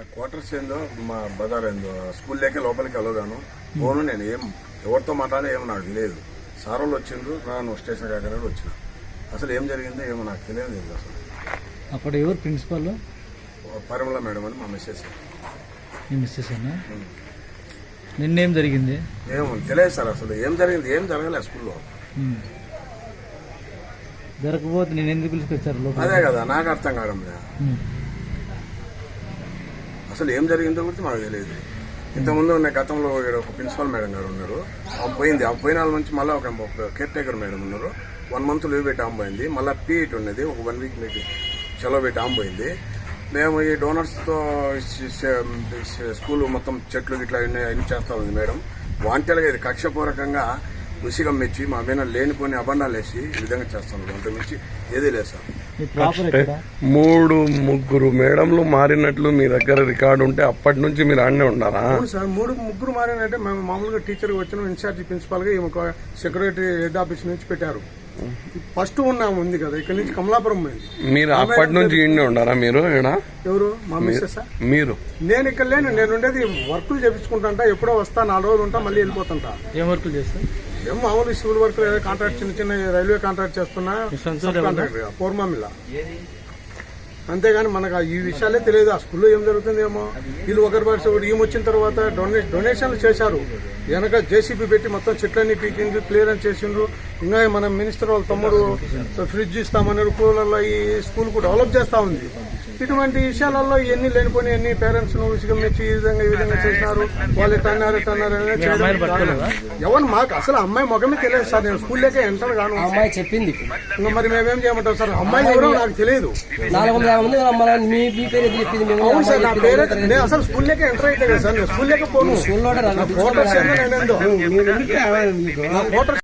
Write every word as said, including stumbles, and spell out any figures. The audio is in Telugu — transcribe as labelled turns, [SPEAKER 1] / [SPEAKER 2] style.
[SPEAKER 1] క్వార్టర్స్ ఏందో మా బజార్ ఏందో స్కూల్లోకి లోపలికి వెళ్ళగాను పోను. నేను ఏం ఎవరితో మాట్లాడే ఏమో నాకు తెలియదు. సార్ వాళ్ళు వచ్చిండ్రు, రాను స్టేషన్ కాకనే వచ్చిన. అసలు ఏం జరిగిందో ఏమో నాకు తెలియదు. అసలు
[SPEAKER 2] అక్కడ ఎవరు ప్రిన్సిపల్?
[SPEAKER 1] పరిమళ మేడం అని మా మిస్సెస్.
[SPEAKER 2] మీ మిస్సెస్ అన్నా? నిన్నేం జరిగింది?
[SPEAKER 1] ఏమో తెలియదు సార్. అసలు ఏం జరిగింది ఏం జరగలేదు స్కూల్లో.
[SPEAKER 2] జరగకపోతే నేను ఎందుకు పిలుచుకొచ్చారు?
[SPEAKER 1] అదే కదా నాకు అర్థం కావడం లేదు. అసలు ఏం జరిగిందో కూడా మాకు తెలియదు. ఇంతకుముందు ఉన్న గతంలో ఒక ప్రిన్సిపల్ మేడం గారు ఉన్నారు, ఆమె పోయింది. ఆమె పోయిన వాళ్ళ నుంచి మళ్ళీ ఒక కేర్ టేకర్ మేడం ఉన్నారు. వన్ మంత్ లీవ్ పెట్టి ఆమె పోయింది. మళ్ళీ పీఈట్ ఉన్నది, ఒక వన్ వీక్ మీకు సెలవు పెట్టి ఆమె పోయింది. మేము ఈ డోనర్స్తో స్కూల్ మొత్తం చెట్లు ఇట్లా అన్ని చేస్తా ఉంది మేడం. వాంటెలుగా ఇది కక్షపూర్వకంగా ఉసిగం మెచ్చి మా మీద లేనిపోని అబండాలు వేసి ఈ విధంగా చేస్తాను. అంత మించి ఏదీ లేదు సార్.
[SPEAKER 3] మూడు ముగ్గురు మేడంలు మారినట్లు మీ దగ్గర రికార్డు ఉంటే అప్పటి నుంచి మీరు ఆడనే ఉన్నారా?
[SPEAKER 1] సార్ మూడు ముగ్గురు మారినంటే మేము మామూలుగా టీచర్గా వచ్చిన ఇన్ఛార్జి ప్రిన్సిపాల్ గా ఈమె సెక్రటరీ హెడ్ ఆఫీస్ నుంచి పెట్టారు. ఫస్ట్ ఉన్నాము ఉంది కదా, ఇక్కడ నుంచి కమలాపురం పోయింది.
[SPEAKER 3] మీరు అప్పటి నుంచి ఇండి ఉన్నారా? మీరు
[SPEAKER 1] ఎవరు? మా మిస్సెస్.
[SPEAKER 3] మీరు?
[SPEAKER 1] నేను ఇక్కడ లేను, నేను ఉండేది వర్కులు చేపించుకుంటా. ఎప్పుడో వస్తా, నాలుగు రోజులు ఉంటా, మళ్ళీ వెళ్ళిపోతుంటా.
[SPEAKER 2] ఏం వర్కులు చేస్తా?
[SPEAKER 1] ఏం మామూలు సివిల్ వర్క్, కాంట్రాక్ట్ చిన్న చిన్న రైల్వే కాంట్రాక్ట్ చేస్తున్నా, కాంట్రాక్టర్ పూర్మామిల్ల. అంతేగాని మనకు ఈ విషయాలే తెలియదు. ఆ స్కూల్లో ఏం జరుగుతుందేమో. వీళ్ళు ఒకరి పరిస్థితి ఒకటి. ఈమె వచ్చిన తర్వాత డొనే డొనేషన్లు చేశారు. వెనక జేసీబీ పెట్టి మొత్తం చెట్లన్నీ పీకిండ్రు, క్లియరెన్స్ చేసిండ్రు. ఇంకా మన మినిస్టర్ వాళ్ళ తమ్ముడు ఫ్రిడ్జ్ ఇస్తామన్నారు. కూలర్లో ఈ స్కూల్ కు డెవలప్ చేస్తా ఉంది. ఇటువంటి విషయాలలో ఇవన్నీ లేనిపోయి అన్ని పేరెంట్స్ ను విసిగమ్మించి ఈ విధంగా ఈ విధంగా చేసినారు. వాళ్ళు ఎట్టన్నారు ఎట్టన్నారు ఎవరు మాకు అసలు అమ్మాయి ముఖమే తెలియదు సార్. నేను స్కూల్లోకే ఎంటర్ కాను.
[SPEAKER 4] అమ్మాయి చెప్పింది.
[SPEAKER 1] ఇంకా మరి మేమేం చేయమంటాం సార్? అమ్మాయి ఎవరో నాకు తెలియదు. అవును సార్, నా పేరే. నేను అసలు స్కూల్లోకే ఎంటర్ అయితే కదా సార్. నేను స్కూల్లోకే పోను. ఫోటోస్ ఏందో నేనేందో నా ఫోటోస్